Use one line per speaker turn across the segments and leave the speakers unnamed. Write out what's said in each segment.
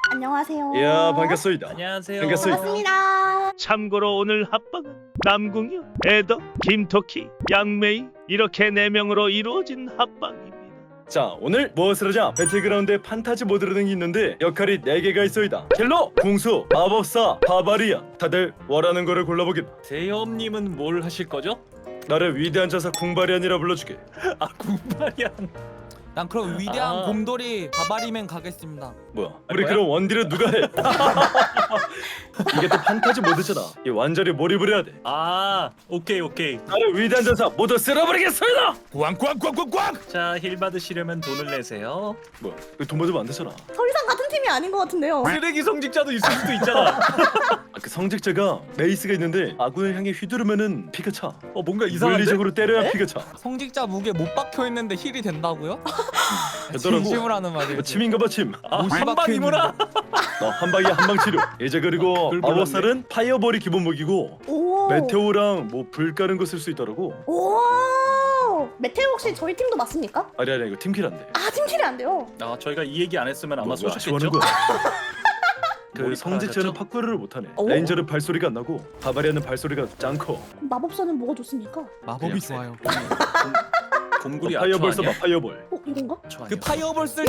안녕하세요.
이야 반갑소이다.
안녕하세요.
반갑습니다.
반갑습니다.
참고로 오늘 합방은 남궁현, 에더, 김토키, 양메이 이렇게 4명으로 이루어진 합방입니다.
자 오늘 무엇을 하자? 배틀그라운드에 판타지 모드라는 게 있는데 역할이 4개가 있어이다. 킬러, 궁수, 마법사, 바바리안. 다들 원하는 거를 골라보겠다.
대엽님은 뭘 하실 거죠?
나를 위대한 자사 궁바리안이라 불러주게.
아 군발이야.
난 그럼 위대한
아.
곰돌이 바바리맨 가겠습니다.
뭐야? 우리
거야?
그럼 원딜은 누가 해? 이게 또 판타지 모드잖아. 이 완전히 몰입을 해야 돼.
아 오케이.
나를 위대한 자사 모두 쓸어버리겠습니다.
꽝꽝꽝꽝꽝!
자 힐 받으시려면 돈을 내세요.
뭐야? 돈 받으면 안 되잖아.
더 이상 같은 팀이 아닌 것 같은데요.
쓰레기 성직자도 있을 수도 있잖아.
그 성직자가 메이스가 있는데 아군을 향해 휘두르면은 피가 차.
뭔가 이상한데?
물리적으로 때려야 피가 차.
성직자 무게 못 박혀 있는데 힐이 된다고요?
되더라고.
진심을 하는 말이에요.
뭐 침인가봐 침.
못이
한방이구나.
너 한 방이야 한방 치료. 이제 그리고
불
마법살은 파이어볼이 기본 무기고
오.
메테오랑 뭐 불 까는 거 쓸 수 있더라고.
오. 메테오 혹시 저희 팀도 맞습니까?
아니 이거 팀킬 안 돼.
아 팀킬이 안 돼요.
아 저희가 이 얘기 안 했으면 아마
뭐
쏘셨겠죠?
하는 거야? 그
몰입
성직자는
하셨죠?
파쿠르를 못하네.
오.
레인저는 발소리가 안 나고 바바리안은 발소리가 짱 커.
그럼 마법사는 뭐가 좋습니까?
마법이
그냥
좋아요.
곰굴이
파이어볼
아초
써봐
아니야?
파이어볼.
이건가?
저
그
아니야?
파이어볼 쓸 때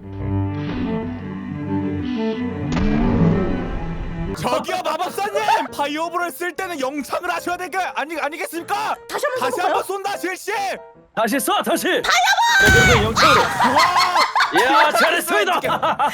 저기요 마법사님! 파이어볼을 쓸 때는 영창을 하셔야 될 거 아니겠습니까?
다시 한번
다시
써볼까요?
한번 쏜다 실시!
다시 쏴 다시. 파이어볼. 영창으로. 야 잘했습니다.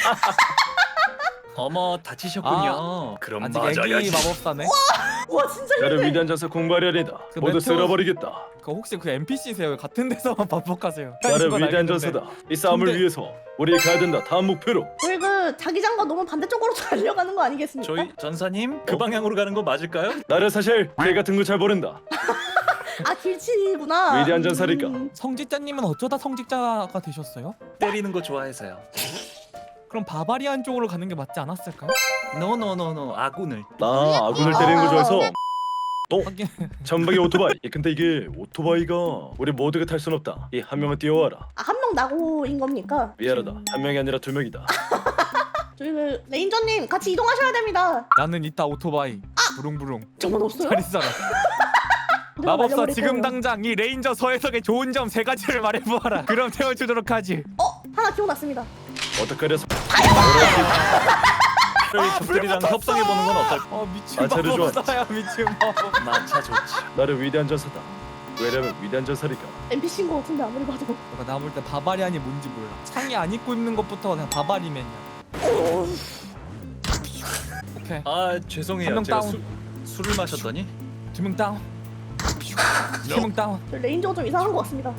어머 다치셨군요. 그럼
아직
맞아야지.
애기 마법사네.
와 진짜
나를
힘내.
위대한 자사 공발이아니다.
그
모두
메테오-
쓸어버리겠다.
그 혹시 그 NPC세요? 같은 데서만 반복하세요.
나를
그건
위대한
알겠는데.
전사다. 이 싸움을
근데-
위해서 우리 가야 된다. 다음 목표로.
우리 그 자기장과 너무 반대쪽으로 달려가는 거 아니겠습니까?
저희 전사님 그 방향으로 가는 거 맞을까요?
나를 사실 개 같은 거 잘 모른다.
아 길치구나.
위대한 전사니까.
성직자님은 어쩌다 성직자가 되셨어요?
때리는 거 좋아해서요.
그럼 바바리안 쪽으로 가는 게 맞지 않았을까요?
노노노노 아군을.
나 아군을 때리는 거 좋아해서.
하긴
전방에 오토바이. 근데 이게 오토바이가 우리 모두가 탈 순 없다. 이 한 명은 뛰어와라.
아, 한 명 나고인 겁니까?
미안하다. 한 명이 아니라 2명이다.
저희 그 레인저님 같이 이동하셔야 됩니다.
나는 이따 오토바이 부릉부릉
저건 없어요?
잘 있어라.
누가
마법사
말려버릴
지금
거예요.
당장 이 레인저 서해석의 좋은 점 3가지를 말해보아라. 그럼 태워주도록 하지.
하나 기억났습니다.
어떡하려.
적들이랑 협상해 보는 건 어떨까?
미친
아, 자료 좋아.
마법사야 미친 마법.
마차 좋지.
나를 위대한 전사다. 왜냐면 위대한 전사니까.
NPC인 것 같은데 아무리 봐도.
내가 나볼 때 바바리안이 뭔지 몰라. 창이 안 입고 입는 것부터 그냥 바바리맨이야. 오케이.
아 죄송해요.
한명
제가
다운.
술을 마셨더니
2명 다운. 3명 다운.
저 레인저가 좀 이상한 것 같습니다.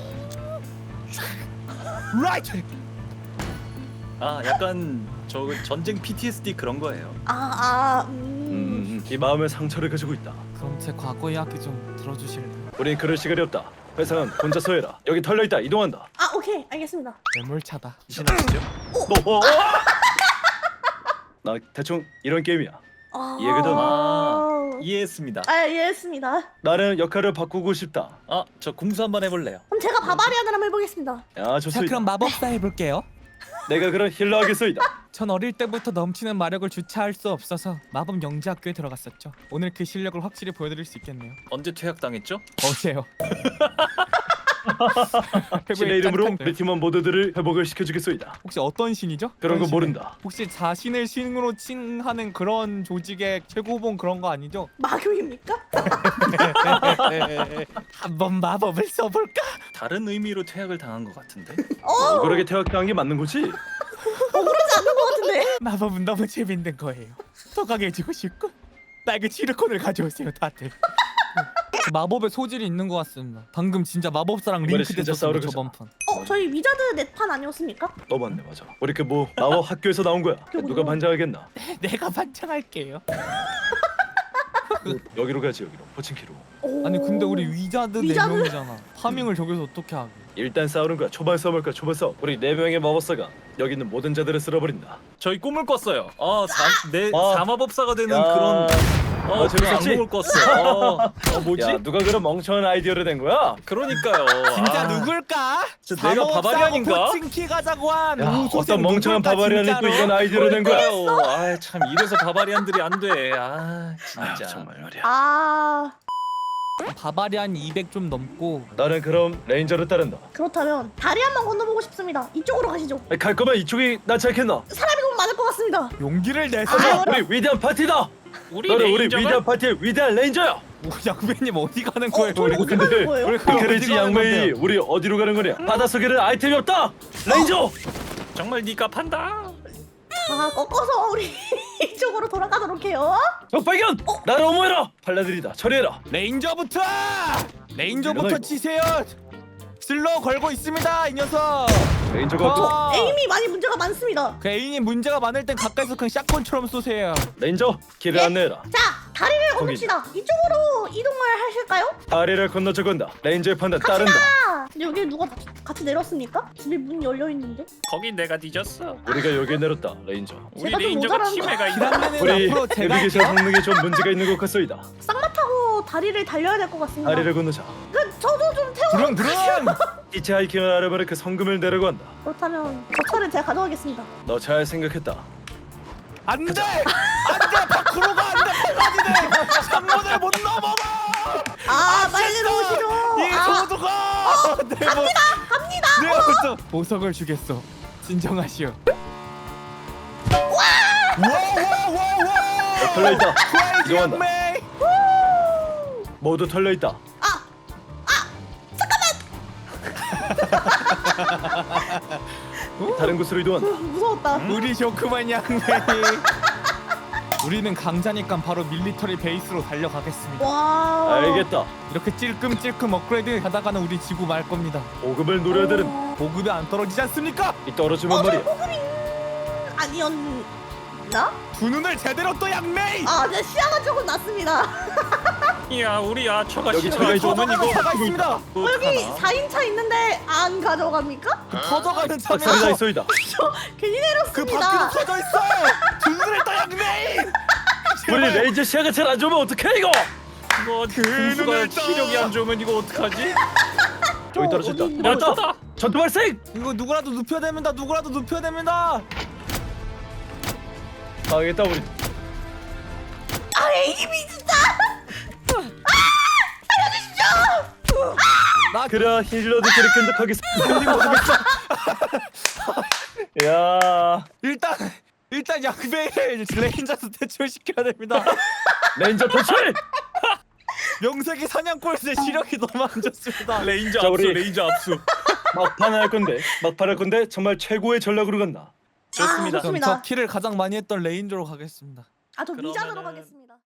라이트.
아 약간 저 전쟁 PTSD 그런 거예요.
이 마음의 상처를 가지고 있다.
그럼 제 과거 이야기 좀 들어주실래요?
우린 그럴 시간이 없다. 회사는 혼자서 해라. 여기 털려 있다. 이동한다.
아 오케이 알겠습니다.
매몰차다.
신하시죠?
나 대충 이런 게임이야. 이해거든.
이해했습니다.
아 이해했습니다.
나는 역할을 바꾸고 싶다.
저 궁수 한번 해볼래요.
그럼 제가 바바리안을 한번 해보겠습니다.
야
자
좋습니다.
그럼 마법사 해볼게요.
내가 그런 힐러 하겠소이다.
전 어릴 때부터 넘치는 마력을 주체할 수 없어서 마법 영재학교에 들어갔었죠. 오늘 그 실력을 확실히 보여드릴 수 있겠네요.
언제 퇴학당했죠?
어제요.
신의 이름으로 우리 팀원 모두들을 회복을 시켜주겠소이다.
혹시 어떤 신이죠?
그런 거
어떤
모른다.
혹시 자신을 신으로 칭하는 그런 조직의 최고봉 그런 거 아니죠?
마교입니까?
한번 마법을 써볼까?
다른 의미로 퇴학을 당한 것 같은데.
그러게 퇴학당한 게 맞는 거지?
그러지 않는 것 같은데.
마법은 너무 재밌는 거예요. 더 강해지고 싶고 나에게 지르콘을 가져오세요 다들. 마법의 소질이 있는 것 같습니다. 방금 진짜 마법사랑
이번에
링크
진짜
됐었어요
싸우러
저번 판.
저희 위자드 넷판 아니었습니까?
너 맞네 맞아. 우리 그 뭐 마법 학교에서 나온 거야. 누가 반장하겠나?
내가 반창할게요.
여기로 가지 여기로. 포칭키로.
아니 근데 우리 위자드
위자드?
4명이잖아. 파밍을 저기서 어떻게 하게?
일단 싸우는 거야. 초반 싸움할 거야. 초반 싸움. 우리 4명의 마법사가 여기 있는 모든 자들을 쓸어버린다.
저희 꿈을 꿨어요. 내
아.
사마법사가 되는
야.
그런
재밌었지?
악몽을 꿨어. 뭐지?
야 누가 그런 멍청한 아이디어를 낸 거야?
그러니까요.
진짜
아,
누굴까?
진짜 내가 바바리안인가?
포칭키 가자고 한
야
우소생
어떤 멍청한
누굴까,
바바리안이 또
진짜로?
이런 아이디어를 낸 거야?
아참 이래서 바바리안들이 안 돼. 아
아휴,
진짜.
정말 말이야.
아
바바리안 200 좀 넘고
나는 그럼 레인저를 따른다.
그렇다면 다리 한번 건너보고 싶습니다. 이쪽으로 가시죠.
갈 거면 이쪽이 낫지 않겠나?
사람이 너무 많을 것 같습니다.
용기를 내서
아,
우리 위대한 파티다.
우리
너는 우리
레인저가
위대한 파티의 위대한 레인저야.
양배님 어디 가는 거예요?
저희 어디 가는 거예요?
우리
그렇지 양메이 우리 어디로 가는 거냐? 바닷속에는 아이템이 없다. 레인저.
정말 네가 판다.
아 꺾어서 우리 이쪽으로 돌아가도록 해요.
적발견. 나를 어머해라. 팔라들이다. 처리해라.
레인저부터
일어나, 이거.
치세요. 슬로 걸고 있습니다 이 녀석.
레인저가 또
에임이 많이 문제가 많습니다.
그 애인이 문제가 많을 땐 가까이서 그냥 샷건처럼 쏘세요.
레인저 길을
네?
안내해라.
자 다리를
거기.
건넙시다. 이쪽으로 이동을 하실까요?
다리를 건너서 건다. 레인저의 판단 따른다.
아 근데 여기 누가 같이 내렸습니까? 집에 문이 열려 있는데.
거긴 내가 뒤졌어.
우리가 여기에 내렸다. 레인저.
우리
제가 좀
레인저가
모자란
치매가 있다.
기란내는
우리
앞으로 제가
내비게이션
할게요.
성능에 좀 문제가 있는 것 같소이다.
쌍마 타고 다리를 달려야 될 것 같습니다.
다리를 건너자.
저도 좀 태워.
드릉드릉.
히치하이킹을 하려면 그 성금을 내려고 한다.
그렇다면 저 차를 제가 가져가겠습니다.
너 잘 생각했다.
안돼 안돼 밖으로 가 안돼 팔라디네 창문을 못 넘어가.
아 빨리 오시죠.
이
아,
소두가
갑니다.
내가 보석을 주겠어. 진정하시오. 와와와와
털려 있다.
크레이지
이동한다.
양메이.
모두 털려 있다. 다른 곳으로 이동한다.
무서웠다.
우리 조그만 양메이. 우리는 강자니까 바로 밀리터리 베이스로 달려가겠습니다.
와.
알겠다.
이렇게 찔끔찔끔 업그레이드 하다가는 우리 지구 말 겁니다.
보급을 노려야 되는.
보급이 안 떨어지지 않습니까?
이 떨어지면 말이야.
아니었나?
두 눈을 제대로 떠 양메이.
아, 내 시야가 조금 났습니다.
야 우리 야처가
여기
시간이
차가
좋으면 이거
차가 있습니다.
여기 4인차 있는데 안 가져갑니까?
그 터져가는
박살이 나
차면서
있어이다.
저 괜히
그 밖으로
내렸습니다.
터져 있어. 두 눈을 떠 양메이.
우리 레인저 시야가 잘 안 좋으면 어떡해 이거?
이거
눈을
군수가
떠.
시력이 안 좋으면 이거 어떡하지?
저기 떨어졌다.
어디
야
맞다.
떴다.
전투 발생.
이거 누구라도 눕혀야 됩니다. 누구라도 눕혀야 됩니다.
당했다 우리.
아, 에임이 진짜.
그래 힐러들끼리 끈적하겠어. 야
일단 양메이를 레인저스 퇴출시켜야 됩니다.
레인저 퇴출.
명색이 사냥꼴새 시력이 너무 안 좋습니다.
레인저
자,
압수
우리-
레인저 압수.
막판을 할 건데 정말 최고의 전략으로 간다.
좋습니다.
아,
그럼
좋습니다.
저 키를 가장 많이 했던 레인저로 가겠습니다.
아, 저 미장으로
그러면은-
가겠습니다.